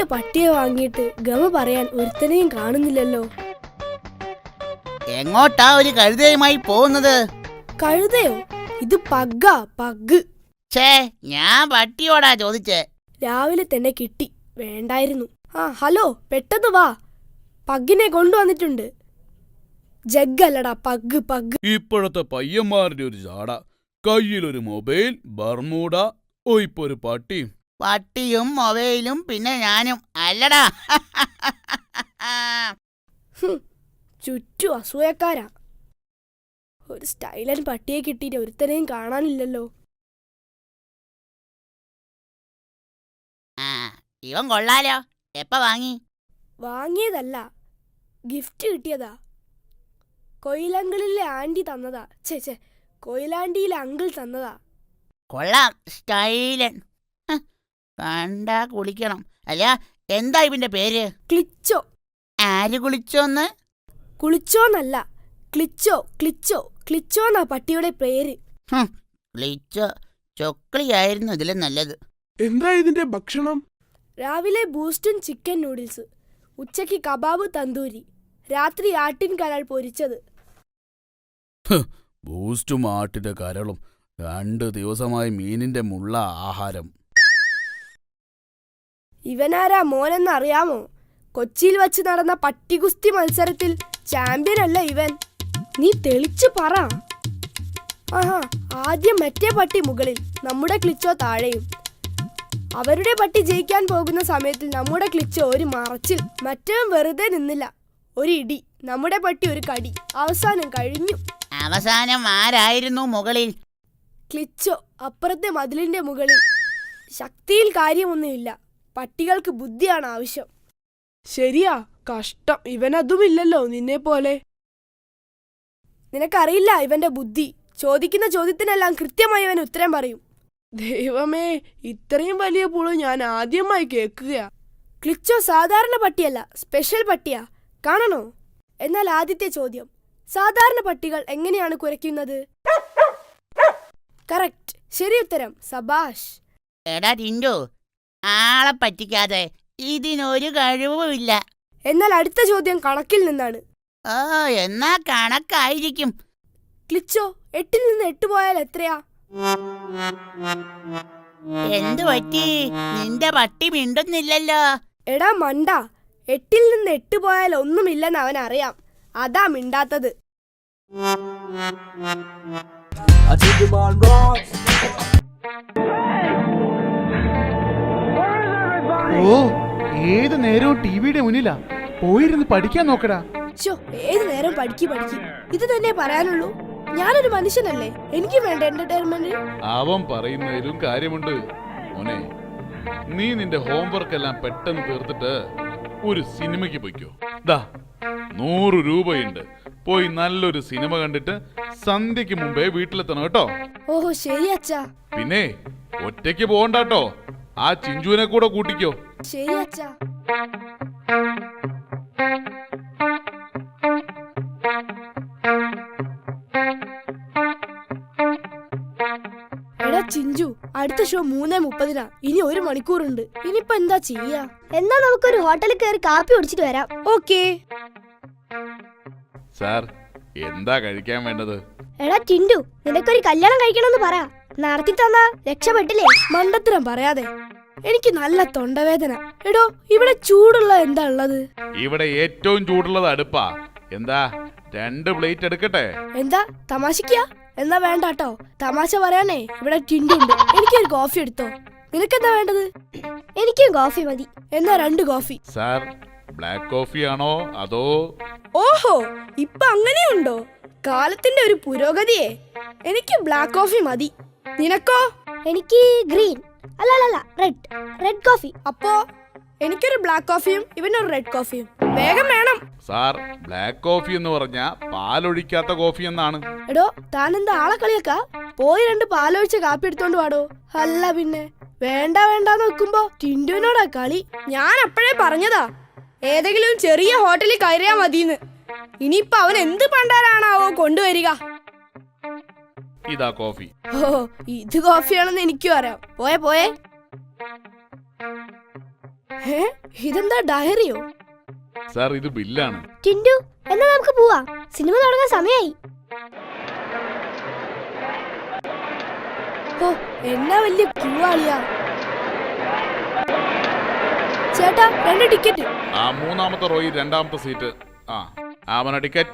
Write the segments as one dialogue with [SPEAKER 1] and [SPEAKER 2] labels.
[SPEAKER 1] പട്ടിയെ വാങ്ങിയിട്ട് ഗമ പറയാൻ ഒരുത്തനെയും കാണുന്നില്ലല്ലോ.
[SPEAKER 2] എങ്ങോട്ടാ ഒരു കഴുതയുമായി പോകുന്നത്?
[SPEAKER 1] കഴുതയോ? ഇത് പഗ്ഗാ, പഗ്.
[SPEAKER 2] ഛേ, ഞാൻ പട്ടിയോടാ ചോദിച്ചേ.
[SPEAKER 1] രാവിലെ തന്നെ കിട്ടി, വേണ്ടായിരുന്നു. ഹലോ, പെട്ടെന്ന് വാ, പഗ്ഗിനെ കൊണ്ടുവന്നിട്ടുണ്ട്. ജഗ്ഗല്ലടാ, പഗ് പഗ്.
[SPEAKER 3] ഇപ്പോഴത്തെ പയ്യന്മാരുടെ ഒരു ജാട. കയ്യിലൊരു മൊബൈൽ, ബർമൂഡ, ഇപ്പൊ ഒരു പട്ടി.
[SPEAKER 2] പട്ടിയും മൊബൈലും പിന്നെ ഞാനും അല്ലടാ.
[SPEAKER 1] ചുറ്റും അസൂയക്കാരാ. ഒരു സ്റ്റൈലൻ പട്ടിയെ കിട്ടിയിട്ട് ഒരുത്തനെയും കാണാനില്ലല്ലോ.
[SPEAKER 2] ഇവൻ കൊള്ളാലോ. എപ്പ വാങ്ങി?
[SPEAKER 1] വാങ്ങിയതല്ല, ഗിഫ്റ്റ് കിട്ടിയതാ. കൊയിലങ്കിളിലെ ആന്റി തന്നതാ. ചേ, കൊയിലാണ്ടിയിലെ അങ്കിൾ തന്നതാ.
[SPEAKER 2] കൊള്ളാം, സ്റ്റൈലൻ. കണ്ടാ കുളിക്കണം. അല്ല, എന്താ ഇവന്റെ പേര്?
[SPEAKER 1] ക്ലിച്ചോ.
[SPEAKER 2] ആര് കുളിച്ചോന്ന്?
[SPEAKER 1] കുളിച്ചോന്നല്ല, ക്ലിച്ചോ. ക്ലിച്ചോ എന്നാ പട്ടിയുടെ പേര്.
[SPEAKER 2] ക്ലിച്ചോ. ചൊക്ലിയായിരുന്നു ഇതിലും നല്ലത്.
[SPEAKER 4] എന്താ ഇതിന്റെ ഭക്ഷണം?
[SPEAKER 1] രാവിലെ ബൂസ്റ്റും ചിക്കൻ നൂഡിൽസ്, ഉച്ചയ്ക്ക് കബാബ് തന്തൂരി, രാത്രി ആട്ടിൻ കരൾ പൊരിച്ചത്.
[SPEAKER 3] ബൂസ്റ്റും ആട്ടിന്റെ കരളും 2 ദിവസമായി മീനിന്റെ മുള്ള ആഹാരം.
[SPEAKER 1] ഇവനാരാ മോനെന്നറിയാമോ? കൊച്ചിയിൽ വച്ച് നടന്ന പട്ടികുസ്തി മത്സരത്തിൽ ചാമ്പ്യനല്ല ഇവൻ. നീ തെളിച്ചു പറ. ആദ്യം മറ്റേ പട്ടി മുകളിൽ, നമ്മുടെ ക്ലിച്ചോ താഴെയും. അവരുടെ പട്ടി ജയിക്കാൻ പോകുന്ന സമയത്തിൽ നമ്മുടെ ക്ലിച്ചോ ഒരു മറച്ചിൽ. മറ്റവൻ വെറുതെ നിന്നില്ല, ഒരു ഇടി. നമ്മുടെ പട്ടി ഒരു കടി. അവസാനം കഴിഞ്ഞു.
[SPEAKER 2] അവസാനം ആരായിരുന്നു മുകളിൽ?
[SPEAKER 1] ക്ലിച്ചോ, അപ്പുറത്തെ മതിലിന്റെ മുകളിൽ. ശക്തിയിൽ കാര്യമൊന്നുമില്ല, പട്ടികൾക്ക് ബുദ്ധിയാണ് ആവശ്യം.
[SPEAKER 4] ശരിയാ, കഷ്ടം. ഇവനതുമില്ലല്ലോ നിന്നെ പോലെ.
[SPEAKER 1] നിനക്കറിയില്ല ഇവന്റെ ബുദ്ധി. ചോദിക്കുന്ന ചോദ്യത്തിനെല്ലാം കൃത്യമായി അവൻ ഉത്തരം പറയും.
[SPEAKER 4] ദൈവമേ, ഇത്രയും വലിയ പുളു ഞാൻ ആദ്യമായി കേൾക്കുകയാ.
[SPEAKER 1] ക്ലിച്ചോ സാധാരണ പട്ടിയല്ല, സ്പെഷ്യൽ പട്ടിയാ. കാണണോ? എന്നാൽ ആദ്യത്തെ ചോദ്യം, സാധാരണ പട്ടികൾ എങ്ങനെയാണ് കുരയ്ക്കുന്നത്? കറക്റ്റ്, ശരി ഉത്തരം. സബാഷ്.
[SPEAKER 2] എടാ ടിൻഡു, ആളെ പറ്റിക്കാതെ. ഇതിനൊരു കഴിവുമില്ല.
[SPEAKER 1] എന്നാൽ അടുത്ത ചോദ്യം കണക്കിൽ നിന്നാണ്.
[SPEAKER 2] എന്നാ കണക്കായിരിക്കും.
[SPEAKER 1] ക്ലിച്ചോ, 8ൽ നിന്ന് 8 പോയാൽ എത്രയാ?
[SPEAKER 2] എന്തു പറ്റി? നിന്റെ പട്ടി മിണ്ടുന്നില്ലല്ലോ.
[SPEAKER 1] എടാ മണ്ട, 8ൽ നിന്ന് 8 പോയാൽ ഒന്നുമില്ലെന്ന് അവൻ അറിയാം, അതാ മിണ്ടാത്തത്.
[SPEAKER 5] ഏത് നേരവും ടിവിയുടെ മുന്നിലാ. പോയിരുന്ന് പഠിക്കാൻ നോക്കടാ.
[SPEAKER 1] ഏത് നേരം പഠിക്ക്. ഇത് തന്നെ പറയാനുള്ളൂ. ഞാനൊരു മനുഷ്യനല്ലേ, എനിക്ക് വേണ്ട എന്റർടൈൻമെന്റ്.
[SPEAKER 3] അവൻ പറയുന്നതിലും കാര്യമുണ്ട് മോനെ. നീ നിന്റെ ഹോംവർക്ക് എല്ലാം പെട്ടെന്ന് തീർത്തിട്ട് ഒരു സിനിമയ്ക്ക് പോയിക്കോ. 100 രൂപയുണ്ട്. പോയി നല്ലൊരു സിനിമ കണ്ടിട്ട് സന്ധ്യക്ക് മുമ്പേ വീട്ടിലെത്തണം കേട്ടോ.
[SPEAKER 1] ഓഹോ, ശരി അച്ഛാ.
[SPEAKER 3] പിന്നെ ഒറ്റയ്ക്ക് പോകണ്ടാട്ടോ, ആ ചിഞ്ചുവിനെ കൂടെ കൂട്ടിക്കോ.
[SPEAKER 1] ശരി അച്ഛാ. എടാ ചിഞ്ചു, അടുത്ത ഷോ 3:30. ഇനി 1 മണിക്കൂറുണ്ട്. ഇനിയിപ്പോ എന്താ ചെയ്യാ?
[SPEAKER 6] എന്നാ നമുക്കൊരു ഹോട്ടലിൽ കയറി കാപ്പി കുടിച്ചിട്ട് വരാം.
[SPEAKER 1] ഓക്കേ
[SPEAKER 3] സാർ, എന്താ കഴിക്കാൻ വേണ്ടത്?
[SPEAKER 6] എടാ ടിൻഡു, നിനക്കൊരു കല്യാണം കഴിക്കണമെന്ന് പറ. നടത്തി തന്നാ രക്ഷപ്പെട്ടില്ലേ?
[SPEAKER 1] മണ്ടത്തരം പറയാതെ, എനിക്ക് നല്ല തൊണ്ടവേദന. എടോ, ഇവിടെ ചൂടുള്ള എന്താ ഉള്ളത്?
[SPEAKER 3] ഇവിടെ ഏറ്റവും ചൂടുള്ളത് അടുപ്പാ. എന്താ 2 പ്ലേറ്റ് എടുക്കട്ടെ?
[SPEAKER 1] എന്താ തമാശക്കാ? എന്നാ വേണ്ടാട്ടോ, തമാശ പറയാനേ ഇവിടെ ടിൻഡുണ്ട്. എനിക്കൊരു കോഫി എടുത്തോ. നിനക്കെന്താ വേണ്ടത്?
[SPEAKER 6] എനിക്കും കോഫി മതി.
[SPEAKER 1] എന്നാ 2 കോഫി.
[SPEAKER 3] സാർ, ബ്ലാക്ക് കോഫി ആണോ അതോ?
[SPEAKER 1] ഓഹോ, ഇപ്പൊ അങ്ങനെയുണ്ടോ? കാലത്തിന്റെ ഒരു പുരോഗതിയെ. എനിക്ക് ബ്ലാക്ക് കോഫി മതി. നിനക്കോ?
[SPEAKER 6] എനിക്ക് ഗ്രീൻ, അല്ല റെഡ് കോഫി.
[SPEAKER 1] അപ്പോ എനിക്കൊരു ബ്ലാക്ക് കോഫിയും ഇവനൊരു റെഡ് കോഫിയും. വേഗം വേണം.
[SPEAKER 3] സാർ, ബ്ലാക്ക് കോഫി എന്ന് പറഞ്ഞാ പാലൊഴിക്കാത്ത കോഫി എന്നാണ്.
[SPEAKER 1] എടോ, താനെന്താ ആളെ കളിയാക്കാ? പോയി 2 പാലൊഴിച്ച കാപ്പി എടുത്തോണ്ട് വാടോ. അല്ല പിന്നെ വേണ്ടാന്ന് വെക്കുമ്പോ ടിൻഡുവിനോടാ കളി. ഞാൻ അപ്പോഴേ പറഞ്ഞതാ, ഏതെങ്കിലും ചെറിയ ഹോട്ടലിൽ കയറിയാ മതിന്ന്. ഇനിയിപ്പൊ അവൻ എന്ത് പണ്ടാരാണാവോ കൊണ്ടുവരിക.
[SPEAKER 3] ഇതാ കോഫി.
[SPEAKER 1] ഓ, ഇത് കോഫിയാണെന്ന് എനിക്കും അറിയാം. പോയേ. ഏ ഇതെന്താ ഡയറിയോ?
[SPEAKER 3] സാർ ഇത് ബില്ലാണ്.
[SPEAKER 6] ടിൻഡു എന്നാ നമുക്ക് പോവാം, സിനിമ തുടങ്ങാൻ സമയായി.
[SPEAKER 1] ഓ എന്നാ വലിയ ക്യൂ ആളിയാ. ചേട്ടാ 2 ടിക്കറ്റ്.
[SPEAKER 3] ആ 3-ാമത്തെ റോയിൽ 2-ാമത്തെ സീറ്റ്. ആ ആവണ ടിക്കറ്റ്.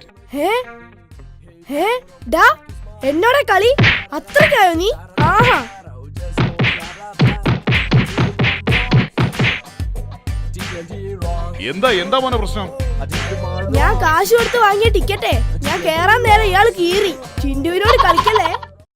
[SPEAKER 1] ഡാ എന്നോടെ കളി അത്രക്കായോ നീ? ആഹാ
[SPEAKER 3] എന്താ മോനെ പ്രശ്നം?
[SPEAKER 1] ഞാൻ കാശ് കൊടുത്ത് വാങ്ങിയ ടിക്കറ്റേ ഞാൻ കേറാൻ നേരം ഇയാൾ കീറി. ചിണ്ടുവിനോട് കളിക്കല്ലേ.